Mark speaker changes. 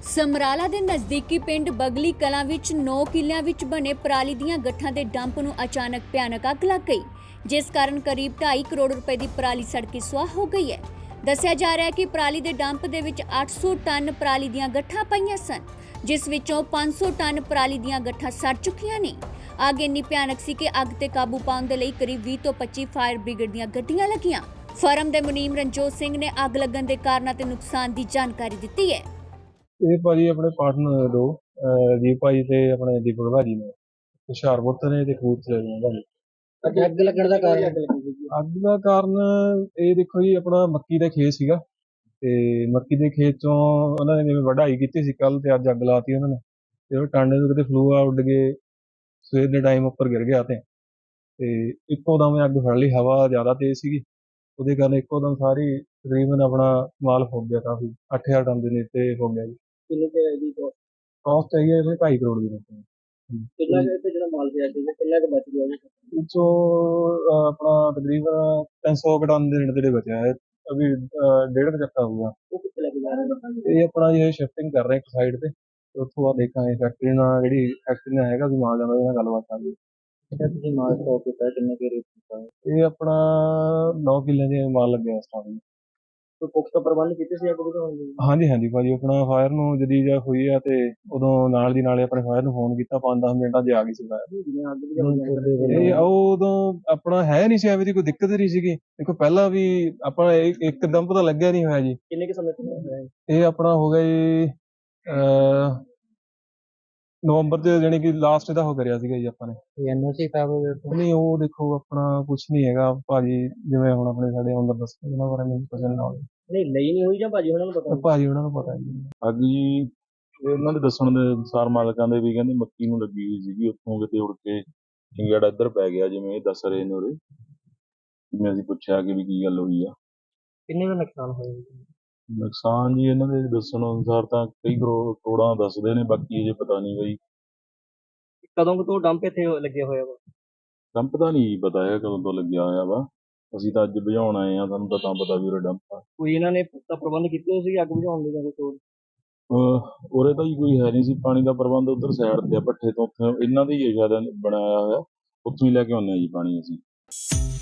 Speaker 1: ਸਮਰਾਲਾ ਦੇ ਨਜ਼ਦੀਕੀ ਪਿੰਡ ਬਗਲੀ ਕਲਾਂ ਵਿੱਚ 9 ਕਿੱਲਿਆਂ ਵਿੱਚ ਬਣੇ ਪਰਾਲੀ ਦੀਆਂ ਗੱਠਾਂ ਦੇ ਡੰਪ ਨੂੰ ਅਚਾਨਕ ਭਿਆਨਕ ਅੱਗ ਲੱਗ ਗਈ, ਜਿਸ ਕਾਰਨ ਕਰੀਬ 2.5 ਕਰੋੜ ਰੁਪਏ ਦੀ ਪਰਾਲੀ ਸੜ ਕੇ ਸੁਆਹ ਹੋ ਗਈ ਹੈ। ਦੱਸਿਆ ਜਾ ਰਿਹਾ ਹੈ ਕਿ ਪਰਾਲੀ ਦੇ ਡੰਪ ਦੇ ਵਿੱਚ 800 ਟਨ ਪਰਾਲੀ ਦੀਆਂ ਗੱਠਾਂ ਪਈਆਂ ਸਨ, ਜਿਸ ਵਿੱਚੋਂ 500 ਟਨ ਪਰਾਲੀ ਦੀਆਂ ਗੱਠਾਂ ਸੜ ਚੁੱਕੀਆਂ ਨੇ। ਅੱਗ ਇੰਨੀ ਭਿਆਨਕ ਸੀ ਕਿ ਅੱਗ ਤੇ ਕਾਬੂ ਪਾਉਣ ਦੇ ਲਈ ਕਰੀਬ 20 ਤੋਂ 25 ਫਾਇਰ ਬ੍ਰਿਗੇਡ ਦੀਆਂ ਗੱਡੀਆਂ ਲੱਗੀਆਂ। ਫਰਮ ਦੇ ਮੁਨੀਮ ਰਣਜੋਤ ਸਿੰਘ ਨੇ ਅੱਗ ਲੱਗਣ ਦੇ ਕਾਰਨਾਂ ਤੇ ਨੁਕਸਾਨ ਦੀ ਜਾਣਕਾਰੀ ਦਿੱਤੀ ਹੈ।
Speaker 2: ਇਹ ਭਾਜੀ ਆਪਣੇ ਪਾਰਟਨਰ ਦੋ ਦੀਪ ਭਾਜੀ ਤੇ ਆਪਣੇ ਦੀਪਕ ਭਾਜੀ ਨੇ ਹੁਸ਼ਿਆਰਪੁਰ ਤੋਂ ਨੇ ਤੇ ਕਪੂਰਥਲੇ ਦੇ ਭਾਜੀ।
Speaker 3: ਅੱਗ ਲੱਗਣ ਦਾ ਕਾਰਨ
Speaker 2: ਅੱਗ ਦਾ ਕਾਰਨ ਇਹ ਦੇਖੋ ਜੀ, ਆਪਣਾ ਮੱਕੀ ਦਾ ਖੇਤ ਸੀਗਾ ਤੇ ਮੱਕੀ ਦੇ ਖੇਤ ਚੋਂ ਉਹਨਾਂ ਨੇ ਜਿਵੇਂ ਵਢਾਈ ਕੀਤੀ ਸੀ ਕੱਲ, ਤੇ ਅੱਜ ਅੱਗ ਲਾਤੀ ਉਹਨਾਂ ਨੇ। ਤੇ ਉਹ ਟਾਂਡੇ ਤੋਂ ਕਿਤੇ ਫਲੂਆ ਉੱਡ ਕੇ ਸਵੇਰ ਦੇ ਟਾਈਮ ਉੱਪਰ ਗਿਰ ਗਿਆ ਤੇ ਇੱਕੋ ਦਮ ਅੱਗ ਫੜ ਲਈ। ਹਵਾ ਜ਼ਿਆਦਾ ਤੇਜ਼ ਸੀਗੀ, ਉਹਦੇ ਕਾਰਨ ਇੱਕੋ ਦਮ ਸਾਰੀ ਤਕਰੀਬਨ ਆਪਣਾ ਮਾਲ ਫੁੱਕ ਗਿਆ। ਕਾਫੀ 8000 ਟਨ ਦੇ ਨੇੜੇ ਹੋ ਗਿਆ ਜੀ।
Speaker 3: ਕਿੰਨੇ ਕੁ ਦੀ
Speaker 2: ਕਾਸਟ ਹੈਗੀ ਹੈ 2.5 ਕਰੋੜ ਦੀ।
Speaker 3: ਕਿੰਨਾ ਕੁ ਇੱਥੇ ਜਿਹੜਾ ਮਾਲ ਪਿਆ ਸੀ ਕਿੰਨਾ ਕੁ ਬਚ ਗਿਆ ਜੀ?
Speaker 2: ਵਿੱਚੋਂ ਆਪਣਾ ਤਕਰੀਬਨ 300 ਟਨ ਦੇ ਨੇੜੇ ਬਚਿਆ ਹੈ। ਅਭੀ 1.5 ਚੱਕਾ ਹੋਊਗਾ।
Speaker 3: ਉਹ ਕਿੱਥੇ ਲੈ ਕੇ ਜਾ ਰਹੇ ਨੇ?
Speaker 2: ਇਹ ਆਪਣਾ ਇਹ ਸ਼ਿਫਟਿੰਗ ਕਰ ਰਹੇ ਇੱਕ ਸਾਈਡ ਤੇ, ਉੱਥੋਂ ਬਾਅਦ ਦੇਖਾਂਗੇ ਫੈਕਟਰੀ ਨਾਲ, ਜਿਹੜੀ ਫੈਕਟਰੀ ਨਾਲ ਹੈਗਾ ਵੀ ਮਾਲ ਜਾਂਦਾ, ਉਹਦੇ ਨਾਲ ਗੱਲਬਾਤ ਕਰਾਂਗੇ।
Speaker 3: ਜਿਹੜਾ ਤੁਸੀਂ ਮਾਲ ਸਟਾਕ ਕੀਤਾ ਕਿੰਨੇ ਕੁ ਰੇਟ ਕੀਤਾ?
Speaker 2: ਇਹ ਆਪਣਾ 9 ਕਿੱਲੇ ਦੇ ਮਾਲ ਲੱਗਿਆ ਸਟਾਰਟਿੰਗ।
Speaker 3: ਕੋਈ ਪੁਖਤਾ ਪ੍ਰਬੰਧ ਕੀਤੇ ਸੀ ਅੱਗ ਬੁਝਾਉਣ ਲਈ?
Speaker 2: ਹਾਂਜੀ ਭਾਜੀ, ਆਪਣਾ ਫਾਇਰ ਨੂੰ ਜਦੀ ਜਾਂ ਹੋਈ ਆ ਤੇ ਉਦੋਂ ਨਾਲ ਦੀ ਨਾਲੇ ਆਪਣੇ ਫਾਇਰ ਨੂੰ ਫੋਨ ਕੀਤਾ, 5-10 ਮਿੰਟਾਂ 'ਚ ਆ ਗਈ ਸੀ ਫਾਇਰ।
Speaker 3: ਜਿਵੇਂ ਅੱਗ ਬੁਝਾਉਣ
Speaker 2: ਇਹ ਉਦੋਂ ਆਪਣਾ ਹੈ ਨਹੀਂ ਸੀ, ਐਵੇਂ ਦੀ ਕੋਈ ਦਿੱਕਤ ਨਹੀਂ ਸੀਗੀ। ਦੇਖੋ ਪਹਿਲਾਂ ਵੀ ਆਪਾਂ ਇੱਕਦਮ ਪਤਾ ਲੱਗਿਆ ਨਹੀਂ ਹੋਇਆ ਜੀ।
Speaker 3: ਕਿੰਨੇ ਕੁ ਸਮੇਂ ਤੋਂ ਹੋਇਆ ਹੈ?
Speaker 2: ਇਹ ਆਪਣਾ ਹੋ ਗਿਆ ਜੀ ਨਵੰਬਰ ਦੇ, ਜਾਣੀ ਕਿ ਲਾਸਟ ਇਹਦਾ ਹੋ ਕਰਿਆ ਸੀਗਾ ਜੀ ਆਪਾਂ ਨੇ।
Speaker 3: ਐਨਓਸੀ ਖਰਾਬ ਹੋ ਗਿਆ?
Speaker 2: ਨਹੀਂ, ਉਹ ਦੇਖੋ ਆਪਣਾ ਕੁਝ ਨਹੀਂ ਹੈਗਾ ਭਾਜੀ, ਜਿਵੇਂ ਹੁਣ ਆਪਣੇ ਸਾਡੇ ਅੰਦਰ ਦੱਸੋ ਉਹਨਾਂ ਬਾਰੇ ਮੈਨੂੰ ਪਤਾ ਨਹੀਂ।
Speaker 3: ਨਹੀਂ ਲਈ ਨਹੀਂ ਹੋਈ ਜਾਂ ਭਾਜੀ ਉਹਨਾਂ ਨੂੰ ਪਤਾ?
Speaker 2: ਭਾਜੀ ਉਹਨਾਂ ਨੂੰ ਪਤਾ ਜੀ।
Speaker 4: ਅੱਗ ਜੀ ਉਹਨਾਂ ਦੇ ਦੱਸਣ ਦੇ ਅਨੁਸਾਰ ਮਾਲਕਾਂ ਦੇ ਵੀ ਕਹਿੰਦੇ ਮੱਕੀ ਨੂੰ ਲੱਗੀ ਹੋਈ ਸੀਗੀ, ਉੱਥੋਂ ਕਿਤੇ ਉੜ ਕੇ ਚਿੰਗੜਾ ਇੱਧਰ ਪੈ ਗਿਆ, ਜਿਵੇਂ ਇਹ ਦੱਸ ਰਹੇ ਨੇ ਉਰੇ। ਜਿਵੇਂ ਅਸੀਂ ਪੁੱਛਿਆ ਕਿ ਵੀ ਕੀ ਗੱਲ ਹੋਈ ਆ।
Speaker 3: ਕਿੰਨੇ ਦਾ ਨੁਕਸਾਨ ਹੋਇਆ?
Speaker 4: ਨੁਕਸਾਨ ਜੀ ਇਹਨਾਂ ਦੇ ਦੱਸਣ ਅਨੁਸਾਰ ਤਾਂ ਕਈ ਕਰੋੜਾਂ ਦੱਸਦੇ ਨੇ, ਬਾਕੀ ਅਜੇ ਪਤਾ ਨਹੀਂ ਬਈ।
Speaker 3: ਕਦੋਂ ਤੋਂ ਡੰਪ ਇੱਥੇ ਲੱਗਿਆ ਹੋਇਆ ਵਾ?
Speaker 4: ਡੰਪ ਦਾ ਨਹੀਂ ਪਤਾ ਹੈ ਕਦੋਂ ਤੋਂ ਲੱਗਿਆ ਹੋਇਆ ਵਾ। ਅਸੀਂ ਤਾਂ ਅੱਜ ਬੁਝਾਉਣ ਆਏ ਆ, ਸਾਨੂੰ ਤਾਂ ਪਤਾ ਵੀ ਉਰੇ ਡੰਪ ਆ।
Speaker 3: ਕੋਈ ਇਹਨਾਂ ਨੇ ਪੁਖਤਾ ਪ੍ਰਬੰਧ ਕੀਤੇ ਸੀ ਅੱਗ ਬੁਝਾਉਣ ਲਈ ਜਾਂ ਕੁਛ ਹੋਰ?
Speaker 4: ਉਰੇ ਤਾਂ ਜੀ ਕੋਈ ਹੈ ਨਹੀਂ ਸੀ ਪਾਣੀ ਦਾ ਪ੍ਰਬੰਧ। ਉੱਧਰ ਸਾਈਡ ਤੇ ਆ ਭੱਠੇ ਤੋਂ, ਉੱਥੇ ਇਹਨਾਂ ਦਾ ਹੀ ਸ਼ਾਇਦ ਬਣਾਇਆ ਹੋਇਆ, ਉੱਥੋਂ ਹੀ ਲੈ ਕੇ ਆਉਂਦੇ ਆ ਜੀ ਪਾਣੀ ਅਸੀਂ।